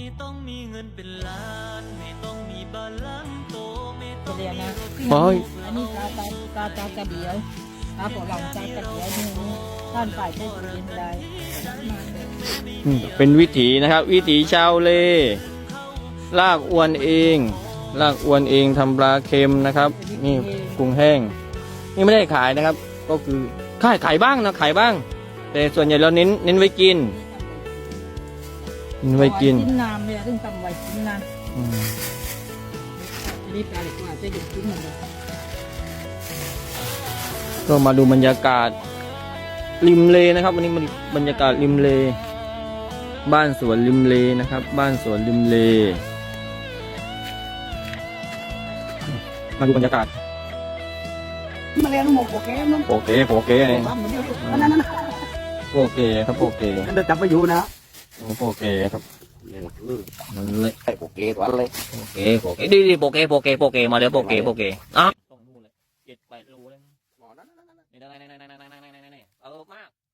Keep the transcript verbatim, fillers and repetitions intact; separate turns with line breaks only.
ต้องมีเงินเป็นล้านไม่ต้องมีบ้านหลังโตไม่ต้อง
เรียน
มี
นะ
รถ
โอ้ย
อันนี้กาตากาตากระเดียวกาปอหลังจากระเดียวนี่ท่านฝ่ายเทศเรียนได้
อืมเป็นวิถีนะครับ วิถีชาวเลลากอวนเองลากอวนเองทำปลาเค็มนะครับนี่กุ้งแห้งนี่ไม่ได้ขายนะครับ ก็คือขายขายบ้างนะขายบ้าง แต่ส่วนใหญ่เราเน้นเน้นไว้กินเน้นไว้กิน
กินน้ำเนี่ยต้องทำไว้กินน้
อืม
ำอันนี้ปลาเล็กกว่าจะหยุดกินหมดเลย
ก็มาดูบรรยากาศริมเลนะครับ วันนี้มันบรรยากาศริมเล บ้านสวนริมเลนะครับ บ้านสวนริมเล มาดูบรรยากาศ
มาเรียนหมกโอเคมั้ง
โอเคโอเคเนี่ย
นั่นนั่น
โอเคครับโอเค
เดินจับไปอยู่นะ
โอเคครับมันเลย
โอเคตัวเลย
โอเคโอเคดีดีโอเคโอเคโอเคมาเดี๋ยวโอเคโอเคอ่ะต้องนู่นเลยเจ็ดแปดรูเลยนี่ได้นี่นี่นี่นี่นี่นี่นี่เออมาก